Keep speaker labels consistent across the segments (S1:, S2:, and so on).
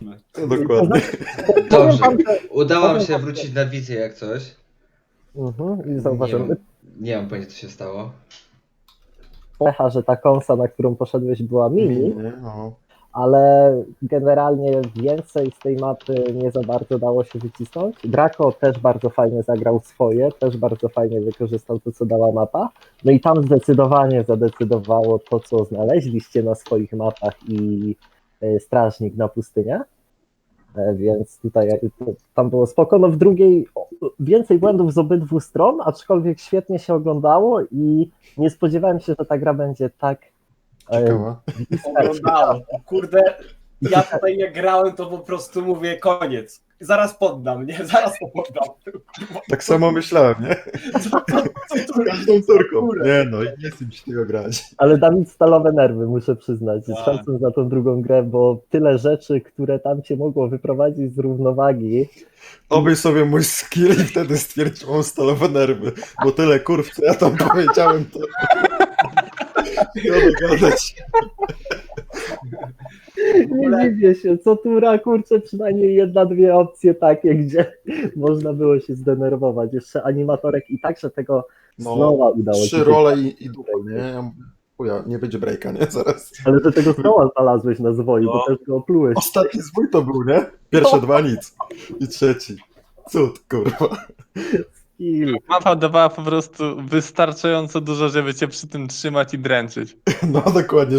S1: Mówmy.
S2: Dokładnie.
S3: Dobrze,
S4: Powiem wam, że-
S3: udało mi
S4: powiem
S3: się
S4: wam,
S3: wrócić na wizję jak coś.
S4: I
S3: Nie
S4: zauważyłem,
S3: mam, nie mam pojęcia co się stało.
S4: pecha, że ta konsa, na którą poszedłeś, była mini,
S2: Nie, no.
S4: ale generalnie więcej z tej mapy nie za bardzo dało się wycisnąć. Draco też bardzo fajnie zagrał swoje, też bardzo fajnie wykorzystał to, co dała mapa. No i tam zdecydowanie zadecydowało to, co znaleźliście na swoich mapach i strażnik na pustynię. Więc tutaj tam było spoko. No w drugiej więcej błędów z obydwu stron, aczkolwiek świetnie się oglądało i nie spodziewałem się, że ta gra będzie tak
S2: Ciekawa.
S1: Oglądałem. Kurde, ja tutaj jak grałem, to po prostu mówię koniec. Zaraz poddam, nie? Zaraz to poddam.
S2: Tak samo myślałem, nie?
S1: Co tu-
S2: Z każdą córką.
S1: Kurde.
S2: Nie no, nie chcę mi się tego grać.
S4: Ale Dawid stalowe nerwy, muszę przyznać.
S1: Tak.
S4: Szacun za tą drugą grę, bo tyle rzeczy, które tam cię mogło wyprowadzić z równowagi.
S2: Obej sobie mój skill i wtedy stwierdziłem stalowe nerwy. Bo tyle kurw, co ja tam powiedziałem, to... Nie gadać.
S4: Nie dziwię się, co tura, kurczę, przynajmniej jedna, dwie opcje takie, gdzie można było się zdenerwować. Jeszcze animatorek i tak, że tego Snowa udało się.
S2: 3 role i dupa, nie? Ja mówię, chuja, nie będzie breaka, nie? Zaraz.
S4: Ale że tego Snowa znalazłeś na zwoju, bo też go oplułeś.
S2: Ostatni zwój to był, nie? Pierwsze dwa nic. I trzeci. Cud, kurwa.
S4: Skill.
S5: Mapa dawała po prostu wystarczająco dużo, żeby cię przy tym trzymać i dręczyć.
S2: No dokładnie.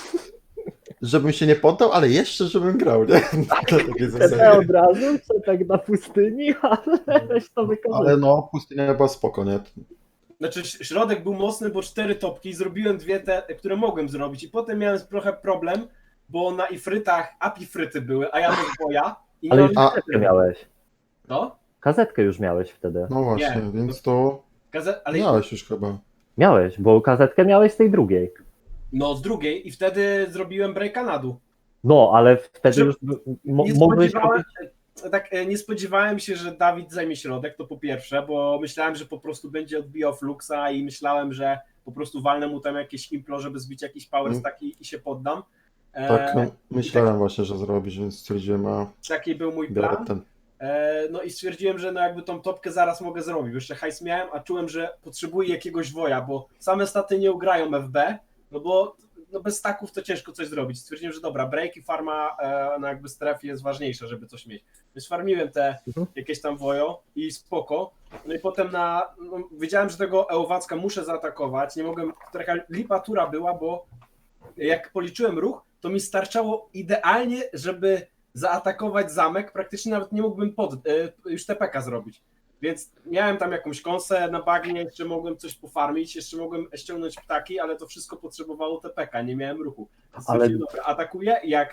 S2: Żebym się nie poddał, ale jeszcze żebym grał, nie? Na takiej
S4: Te
S2: zasadzie.
S4: od razu, czy tak na pustyni, ale weź to wykorzystaj.
S2: Ale no, pustynia była spoko, nie?
S1: Znaczy środek był mocny, bo 4 topki, zrobiłem 2 te, które mogłem zrobić i potem miałem trochę problem, bo na ifrytach apifryty były, a ja bez boja i nie
S4: Ale
S1: mam
S4: już
S2: A-
S4: kazetkę miałeś.
S1: to?
S4: Kazetkę już miałeś wtedy.
S2: No właśnie,
S1: Nie.
S2: więc to
S1: Ale
S2: miałeś już chyba.
S4: Miałeś, bo kazetkę miałeś z tej drugiej.
S1: no z drugiej i wtedy zrobiłem breaka na dół.
S4: No, ale wtedy
S1: Że-
S4: już
S1: Nie
S4: mogłeś
S1: spodziewałem, nie spodziewałem się, że Dawid zajmie środek, to po pierwsze, bo myślałem, że po prostu będzie odbijał Fluxa i myślałem, że po prostu walnę mu tam jakieś implo, żeby zbić jakiś power stack i się poddam.
S2: Tak, no, myślałem właśnie, że zrobisz, więc stwierdziłem, a
S1: Taki był mój
S2: biorę
S1: plan.
S2: ten.
S1: No i stwierdziłem, że no jakby tą topkę zaraz mogę zrobić. Jeszcze hajs miałem, a czułem, że potrzebuję jakiegoś woja, bo same staty nie ugrają FB, no bo no bez staków to ciężko coś zrobić. Stwierdziłem, że dobra, break i farma no jakby strefy jest ważniejsza, żeby coś mieć. Więc farmiłem te jakieś tam wojo i spoko. No i potem wiedziałem, że tego Ełowacka muszę zaatakować. Nie mogłem, taka lipa tura była, bo jak policzyłem ruch, to mi starczało idealnie, żeby zaatakować zamek, praktycznie nawet nie mógłbym już TPK zrobić. Więc miałem tam jakąś kąsę na bagnie, jeszcze mogłem coś pofarmić, jeszcze mogłem ściągnąć ptaki, ale to wszystko potrzebowało TPK, nie miałem ruchu.
S4: Ale-
S1: Dobra, atakuję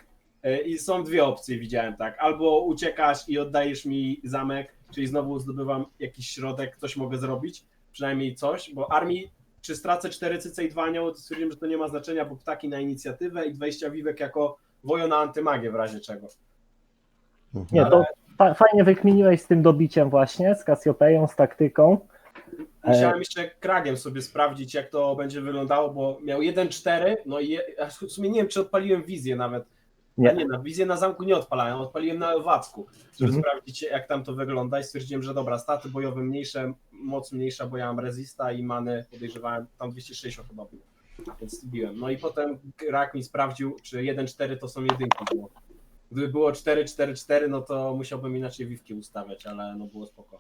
S1: i są 2 opcje, widziałem tak. Albo uciekasz i oddajesz mi zamek, czyli znowu zdobywam jakiś środek, coś mogę zrobić, przynajmniej coś, bo armii czy stracę 4 cyce i 2 anioły, to stwierdziłem, że to nie ma znaczenia, bo ptaki na inicjatywę i 20 wiwek jako wojo na antymagię w razie czego.
S4: Nie, to fajnie wykminiłeś z tym dobiciem właśnie, z Cassiopeją, z taktyką.
S1: Musiałem jeszcze kragiem sobie sprawdzić, jak to będzie wyglądało, bo miał 1-4, no i w sumie nie wiem, czy odpaliłem wizję nawet.
S4: Nie.
S1: Nie, na wizję na zamku nie odpalałem, odpaliłem na Lewacku, żeby sprawdzić, jak tam to wygląda i stwierdziłem, że dobra, staty bojowe mniejsze, moc mniejsza, bo ja mam resista i many podejrzewałem, tam 260 chyba było, więc biłem. No i potem rak mi sprawdził, czy 1-4 to są jedynki było. Gdyby było 4-4-4, no to musiałbym inaczej wiwki ustawiać, ale no było spoko.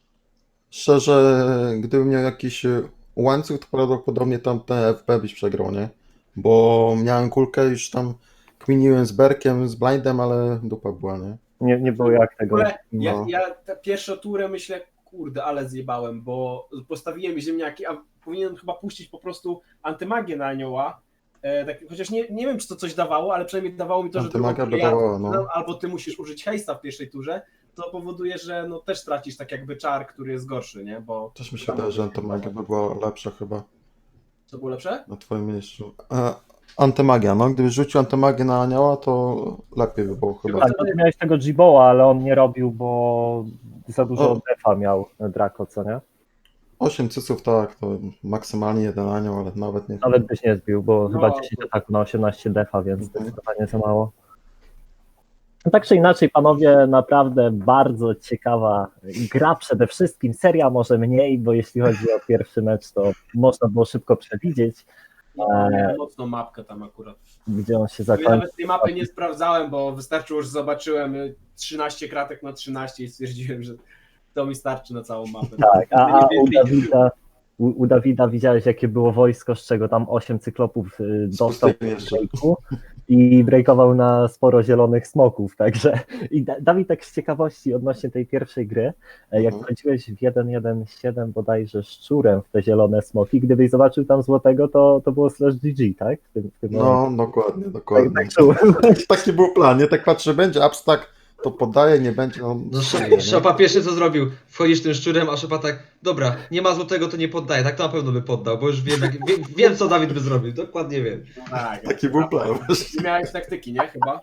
S2: Szczerze, gdybym miał jakiś łańcuch, to prawdopodobnie tam te FB byś przegrał, nie? Bo miałem kulkę, już tam kminiłem z Berkiem, z Blindem, ale dupa była, nie?
S4: Nie było jak
S1: W
S4: tego.
S1: ogóle
S2: No.
S1: ja tę pierwszą turę myślę, kurde, ale zjebałem, bo postawiłem ziemniaki, a powinienem chyba puścić po prostu antymagię na anioła. Tak, chociaż nie wiem, czy to coś dawało, ale przynajmniej dawało mi to, że
S2: Antymagia by
S1: drugą turę
S2: dawała, no.
S1: albo ty musisz użyć hejsta w pierwszej turze, to powoduje, że no też tracisz tak jakby czar, który jest gorszy, nie? Bo
S2: Też mi się wydaje, że antymagia by była lepsza chyba
S1: co było lepsze?
S2: na twoim miejscu. Antymagia, no. Gdybyś rzucił antymagię na anioła, to lepiej by było chyba.
S4: Tak, bo ty miałeś tego Jiboa, ale on nie robił, bo za dużo defa miał Draco, co nie?
S2: 8 cyców, tak, to maksymalnie jeden anioł, ale nawet nie.
S4: Nawet byś nie zbił, bo
S1: No.
S4: chyba 10 ataku na 18 defa, więc zdecydowanie za mało. No tak czy inaczej, panowie, naprawdę bardzo ciekawa gra przede wszystkim. Seria może mniej, bo jeśli chodzi o pierwszy mecz, to można było szybko przewidzieć,
S1: No, miałem mocną mapkę tam akurat.
S4: gdzie on się
S1: Ja
S4: zakończy.
S1: nawet tej mapy nie sprawdzałem, bo wystarczyło, że zobaczyłem 13 kratek na 13 i stwierdziłem, że to mi starczy na całą mapę.
S4: Tak, a
S1: Nie
S4: u
S1: więcej nie było.
S4: u Dawida widziałeś, jakie było wojsko, z czego tam 8 cyklopów dostał
S2: pustymi jeszcze.
S4: breaku i breakował na sporo zielonych smoków, także i Dawid, tak z ciekawości odnośnie tej pierwszej gry, jak wchodziłeś w 1.1.7 bodajże szczurem w te zielone smoki, gdybyś zobaczył tam złotego, to było /GG, tak? W tym momencie.
S2: No, dokładnie.
S4: Tak czułem.
S2: Taki był plan, nie? Tak patrzę, będzie abstak, to podaje, nie będzie.
S3: No Szopa pierwszy co zrobił, wchodzisz tym szczurem, a Szopa tak, dobra, nie ma złotego, to nie poddaje, tak to na pewno by poddał, bo już wiem, wiem co Dawid by zrobił, dokładnie wiem.
S1: Tak,
S2: Taki był plan.
S1: nie miałeś taktyki, nie? Chyba?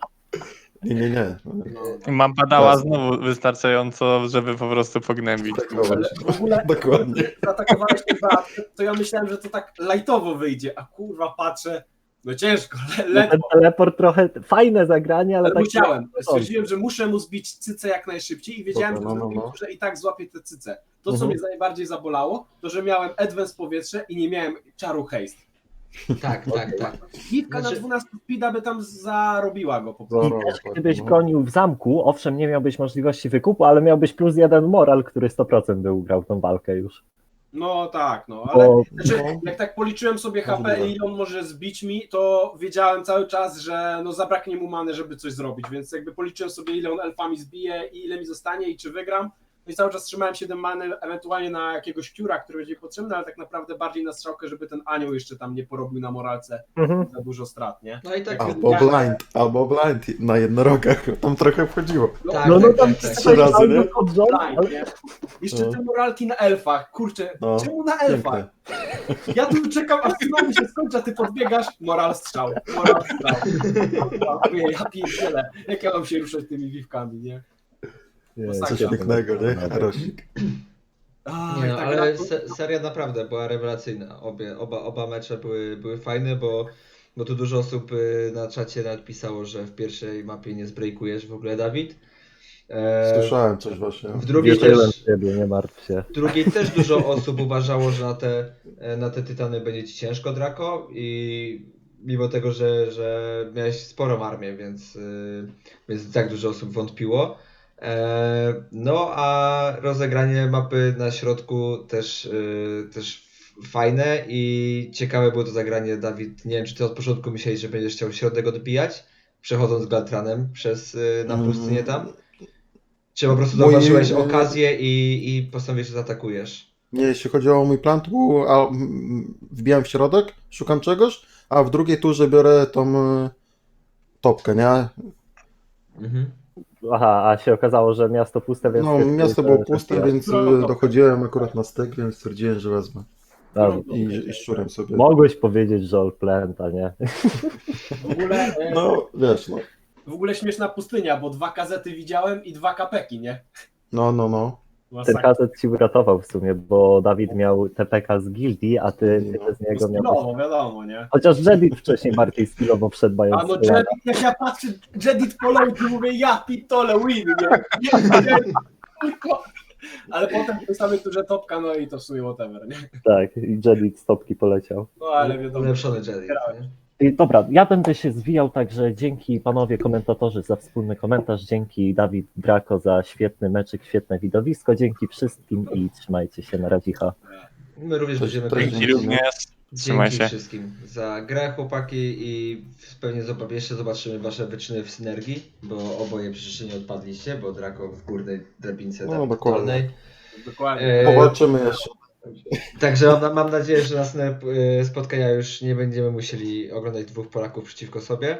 S2: Nie.
S1: No.
S5: Mapa dała znowu wystarczająco, żeby po prostu pognębić.
S2: Tak,
S1: Ale w ogóle
S2: dokładnie.
S1: zaatakowałeś ten to ja myślałem, że to tak lightowo wyjdzie, a kurwa patrzę, no ciężko,
S4: Ten
S1: ledwo.
S4: teleport trochę fajne zagranie, ale
S1: Ale
S4: tak
S1: musiałem. Stwierdziłem, że muszę mu zbić cycę jak najszybciej i wiedziałem,
S2: Dobra, no.
S1: że i tak złapie tę cycę. To, co mnie najbardziej zabolało, to że miałem advance powietrze i nie miałem czaru haste.
S3: Tak.
S1: Gitka
S3: Znaczy-
S1: na 12 speeda by tam zarobiła go po prostu.
S4: I też gdybyś bronił w zamku, owszem, nie miałbyś możliwości wykupu, ale miałbyś +1 moral, który 100% by ugrał tą walkę już.
S1: No tak, no, ale
S4: Bo
S1: znaczy, jak tak policzyłem sobie HP i ile on może zbić mi, to wiedziałem cały czas, że no zabraknie mu many, żeby coś zrobić, więc jakby policzyłem sobie, ile on elfami zbije i ile mi zostanie i czy wygram. No i cały czas trzymałem 7 many, ewentualnie na jakiegoś kiura, który będzie potrzebny, ale tak naprawdę bardziej na strzałkę, żeby ten anioł jeszcze tam nie porobił na moralce za dużo strat, nie?
S3: No i tak,
S2: Albo blind na jednorogach, tam trochę wchodziło.
S3: tak,
S4: no
S3: tak,
S4: tam
S3: tak, tak.
S2: Trzy razy, nie?
S4: pod rząd,
S1: Blind,
S4: ale
S1: nie? Jeszcze
S2: No.
S1: te moralki na elfach, kurczę,
S2: No.
S1: czemu na elfach? Ja tu czekam, aż znowu się skończy, a ty podbiegasz, moral strzał. Ja pierdzielę, jak ja mam się ruszać tymi wiwkami, nie?
S2: Coś pięknego, nie? Rosik.
S3: Nie no, ale seria naprawdę była rewelacyjna. Oba mecze były fajne, bo tu dużo osób na czacie nawet pisało, że w pierwszej mapie nie zbreakujesz w ogóle, Dawid.
S2: Słyszałem coś właśnie.
S3: W drugiej
S4: wierzyłem
S3: też,
S4: w ciebie, nie martw się.
S3: w drugiej też dużo osób uważało, że na te tytany będzie ci ciężko, Draco, i mimo tego, że miałeś sporą armię, więc tak dużo osób wątpiło. No a rozegranie mapy na środku też fajne i ciekawe było to zagranie, Dawid. Nie wiem, czy ty od początku myślałeś, że będziesz chciał środek odbijać, przechodząc Glatranem na pustynię tam? Czy po prostu zauważyłeś okazję i postanowiłeś, że zaatakujesz?
S2: Nie, jeśli chodzi o mój plan, to był, wbijam w środek, szukam czegoś, a w drugiej turze biorę tą topkę, nie?
S3: Mhm.
S4: Aha, a się okazało, że miasto puste, więc...
S2: No, miasto było puste,
S4: że-
S2: więc dochodziłem akurat na styk, więc stwierdziłem, że wezmę.
S4: Dobra.
S2: I szczurem sobie.
S4: Mogłeś powiedzieć, że all planta, nie?
S1: W ogóle,
S2: No, wiesz, no.
S1: w ogóle śmieszna pustynia, bo 2 kazety widziałem i 2 kapeki, nie?
S2: No.
S4: Ten
S1: Masakra.
S4: kazet ci uratował w sumie, bo Dawid miał TPK z gildii, a ty z niego miałeś...
S1: Skillowo, wiadomo, nie?
S4: Chociaż Jedit wcześniej bardziej skillowo wszedł,
S1: A
S4: mając...
S1: no Jedit, jak ja patrzę, Jedit poleci, mówię, ja pitole win, nie? Tylko... Ale potem w tej samej turze topka, no i to w sumie whatever, nie?
S4: Tak, i Jedit z topki poleciał.
S1: No ale wiadomo.
S3: Ulepszony Jedi, nie?
S4: I dobra, ja będę się zwijał, także dzięki panowie komentatorzy za wspólny komentarz, dzięki Dawid Draco za świetny meczyk, świetne widowisko, dzięki wszystkim i trzymajcie się, na radzicha.
S3: My również będziemy
S2: Cześć.
S5: Dzięki również. Trzymaj
S3: Dzięki
S5: się.
S3: wszystkim za grę, chłopaki, i pewnie jeszcze zobaczymy wasze wyczyny w synergii, bo oboje przecież nie odpadliście, bo Draco w górnej drabince,
S2: No,
S3: tam
S2: dokładnie.
S3: dolnej.
S1: Dokładnie.
S2: Powalczymy jeszcze.
S3: Także mam nadzieję, że następne spotkania już nie będziemy musieli oglądać 2 Polaków przeciwko sobie.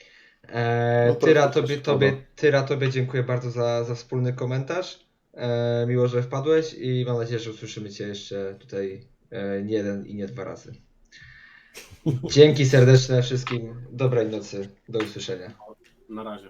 S2: No to
S3: Tyra,
S2: też
S3: tobie dziękuję bardzo za wspólny komentarz. Miło, że wpadłeś i mam nadzieję, że usłyszymy cię jeszcze tutaj nie 1 i nie 2 razy. Dzięki serdeczne wszystkim. Dobrej nocy. Do usłyszenia.
S1: Na razie.